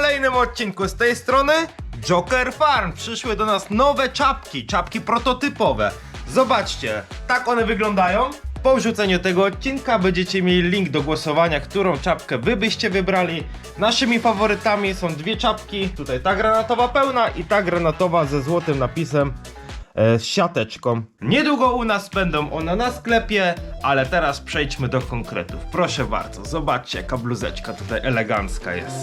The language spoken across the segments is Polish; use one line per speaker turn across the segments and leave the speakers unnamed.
kolejnym odcinku z tej strony Joker Farm. Przyszły do nas nowe czapki prototypowe. Zobaczcie, tak one wyglądają. Po wrzuceniu tego odcinka będziecie mieli link do głosowania, którą czapkę wy byście wybrali. Naszymi faworytami są dwie czapki. Tutaj ta granatowa pełna i ta granatowa ze złotym napisem z siateczką. Niedługo u nas będą one na sklepie, ale teraz przejdźmy do konkretów. Proszę bardzo, zobaczcie jaka bluzeczka tutaj elegancka jest.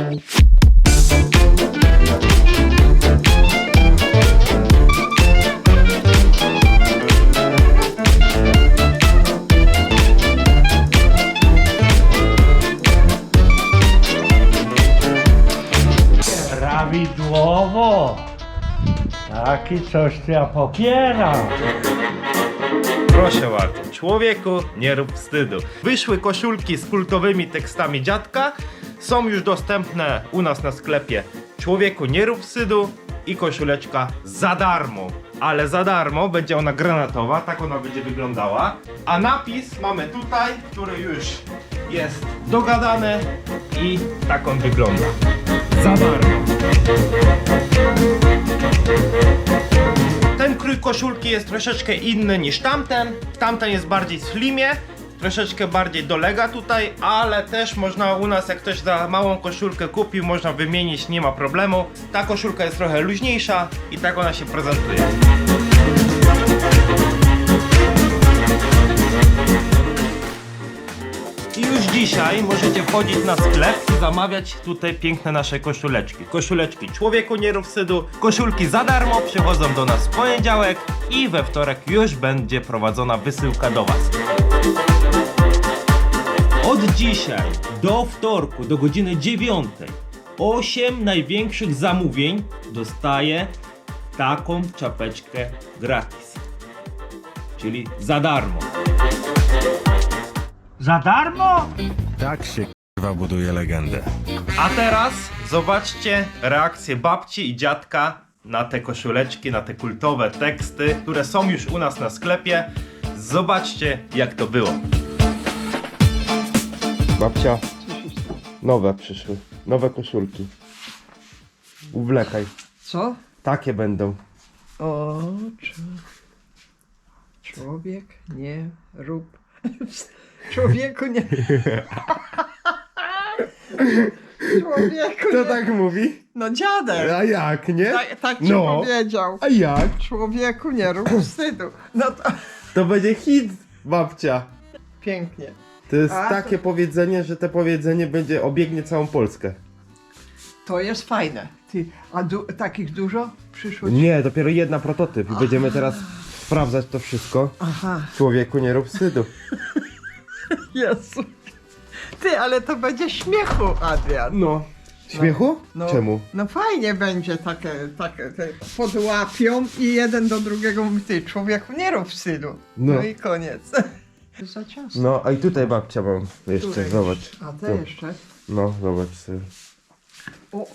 Prawidłowo! Taki coś to ja popieram.
Proszę bardzo, człowieku, nie rób wstydu. Wyszły koszulki z kultowymi tekstami dziadka. Są już dostępne u nas na sklepie. Człowieku, nie rób wstydu i koszuleczka za darmo. Ale za darmo będzie ona granatowa, tak ona będzie wyglądała. A napis mamy tutaj, który już jest dogadany i tak on wygląda. Za darmo. Ten krój koszulki jest troszeczkę inny niż tamten. Tamten jest bardziej w slimie, troszeczkę bardziej dolega tutaj, ale też można u nas, jak ktoś za małą koszulkę kupił, można wymienić, nie ma problemu. Ta koszulka jest trochę luźniejsza i tak ona się prezentuje. I już dzisiaj możecie wchodzić na sklep i zamawiać tutaj piękne nasze koszuleczki. Koszuleczki człowieku nie rób wstydu. Koszulki za darmo przychodzą do nas w poniedziałek i we wtorek już będzie prowadzona wysyłka do Was. Od dzisiaj do wtorku do godziny 9 8 największych zamówień dostaje taką czapeczkę gratis. Czyli za darmo.
Za darmo?
Tak się k***wa buduje legendę.
A teraz zobaczcie reakcję babci i dziadka na te koszuleczki, na te kultowe teksty, które są już u nas na sklepie. Zobaczcie jak to było. Babcia, nowe przyszły, nowe koszulki. Uwlekaj,
Co?
takie będą.
O, człowiek nie rób. Człowieku nie. Człowieku
Kto
nie.
tak mówi?
No dziadek.
A jak, nie?
Tak ci
No.
powiedział.
A jak?
Człowieku nie rób wstydu. No to
To będzie hit, babcia.
pięknie.
To jest
A,
takie powiedzenie, że to powiedzenie będzie obiegnie całą Polskę.
To jest fajne. Ty, a takich dużo przyszło?
Nie, dopiero jedna prototyp i będziemy teraz sprawdzać to wszystko.
Aha.
Człowieku nie rób wstydu.
Jezu. Ty, ale to będzie śmiechu, Adrian.
No. Śmiechu?
No,
Czemu?
No fajnie będzie takie te podłapią i jeden do drugiego mówi, ty człowieku nie rób wstydu.
No.
No i koniec. Za ciasno.
No, a i tutaj babcia mam jeszcze,
Któreś.
zobacz.
A te
Tu.
jeszcze?
No, zobacz sobie.
O.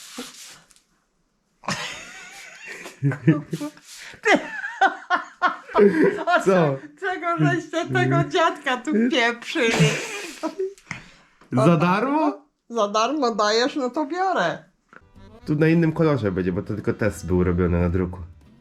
Co?
Czego żeście tego dziadka tu pieprzyli?
Za darmo?
Za darmo dajesz, no to biorę.
Tu na innym kolorze będzie, bo to tylko test był robiony na druku.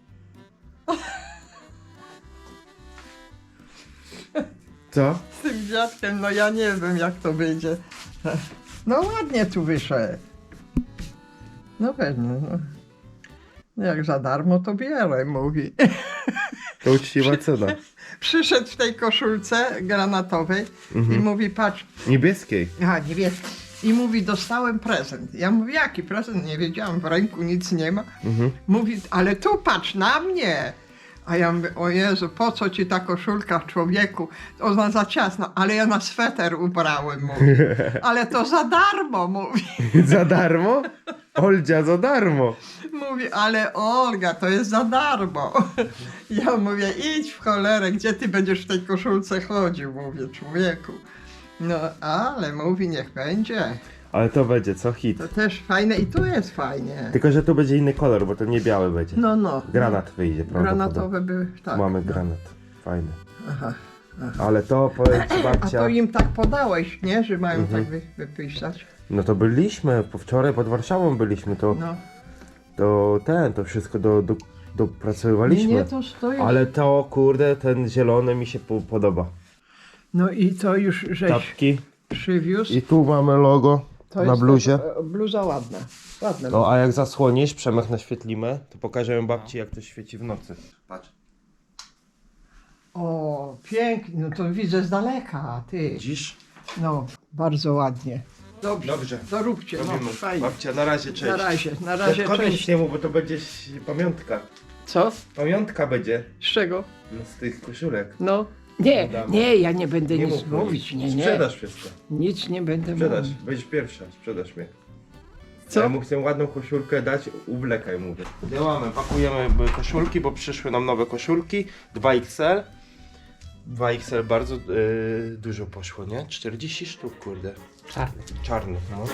Co?
Z tym dziadkiem, no ja nie wiem jak to wyjdzie. No ładnie tu wyszedł. No pewnie, no. Jak za darmo to biorę, mówi.
To uczciwa cena.
Przyszedł w tej koszulce granatowej i mówi, patrz,
Niebieskiej.
aha, nie wiesz. I mówi, dostałem prezent. Ja mówię, jaki prezent? Nie wiedziałam, w ręku nic nie ma. Mówi, ale tu patrz na mnie. A ja mówię, o Jezu, po co ci ta koszulka, człowieku? Ona za ciasna, ale ja na sweter ubrałem, mówi. Ale to za darmo, mówi.
Za darmo? Oldzia, za darmo.
Mówi, ale Olga, to jest za darmo. Ja mówię, idź w cholerę, gdzie ty będziesz w tej koszulce chodził, mówię, człowieku. No, ale mówi, niech będzie.
Ale to będzie, co? Hit.
To też fajne i tu jest fajnie.
Tylko, że tu będzie inny kolor, bo to nie biały będzie.
No, no.
Granat wyjdzie, prawdopodobnie.
Granatowe były, tak.
Mamy
no.
granat. Fajny.
Aha.
Ale to powiem ci
A
babcia.
to im tak podałeś, nie? Że mają tak wypisać.
No to byliśmy, wczoraj pod Warszawą byliśmy, to,
No.
to wszystko dopracowywaliśmy.
Nie, to stoi.
Ale to kurde, ten zielony mi się podoba.
No i to już żeś
Czapki.
przywiózł.
I tu mamy logo
To
na
jest
bluzie.
Bluza ładna. Ładna.
No a jak zasłonisz, Przemek naświetlimy, to pokażę babci jak to świeci w nocy. Patrz.
O, pięknie. No to widzę z daleka, ty.
Widzisz?
No, bardzo ładnie. Dobrze.
Dobrze.
Doróbcie, no,
Robimy.
fajnie.
Babcia, na razie, cześć.
Na razie,
Dziadkowi nic
cześć.
nie mów, bo to będzie pamiątka.
Co?
Pamiątka będzie
Z czego?
no, z tych koszulek.
No. Nie,
Damy.
nie, ja nie będę nic
mów,
mówić, nie, nie.
Sprzedasz wszystko.
Nic nie będę
Sprzedasz,
mówić.
będziesz pierwsza, sprzedasz mnie.
Co?
Ja mu chcę ładną koszulkę dać, uwlekaj mówię. Działamy, pakujemy koszulki, bo przyszły nam nowe koszulki, 2XL. 2XL bardzo dużo poszło, nie? 40 sztuk, kurde. Czarnych, no.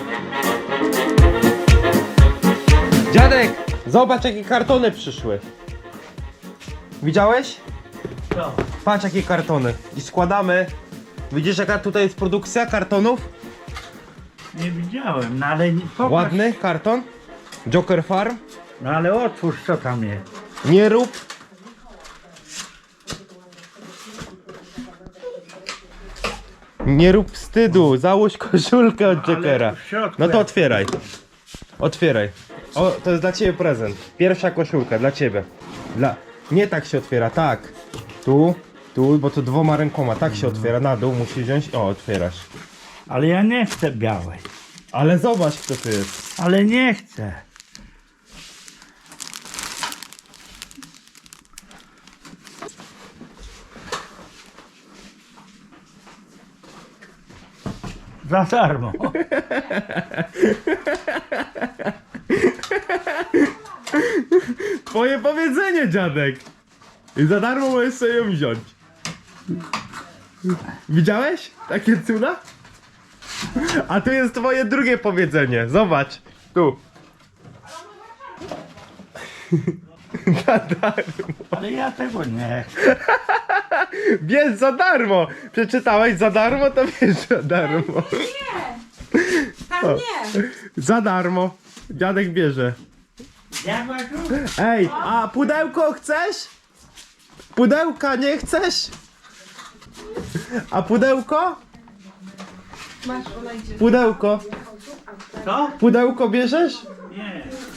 Dziadek, zobacz jakie kartony przyszły. Widziałeś?
Co?
Patrz jakie kartony. I składamy. Widzisz jaka tutaj jest produkcja kartonów?
Nie widziałem, no ale nie, popatrz.
Ładny karton. Joker Farm.
No ale otwórz, co tam jest.
Nie rób. Nie rób wstydu. Załóż koszulkę od Jokera.
Ale w środku
No to
jak-
otwieraj. Otwieraj. O, to jest dla ciebie prezent. Pierwsza koszulka dla ciebie. Nie tak się otwiera, tak. Tu, bo to 2 rękoma. Tak się otwiera, na dół musisz wziąć. O, otwierasz.
Ale ja nie chcę białej.
Ale zobacz kto to jest.
Ale nie chcę. Za darmo.
Twoje powiedzenie, dziadek. I za darmo możesz sobie ją wziąć. Widziałeś? Takie cuda? A tu jest twoje drugie powiedzenie. Zobacz. Tu. Za darmo.
Ale ja tego nie chcę.
Bierz za darmo. Przeczytałeś za darmo, to bierz za darmo.
Tam nie!
Za darmo. Dziadek bierze.
Ja go
Ej, a pudełko chcesz? Pudełka nie chcesz? A pudełko?
Masz, ona idzie.
Pudełko.
Co?
Pudełko bierzesz?
Nie.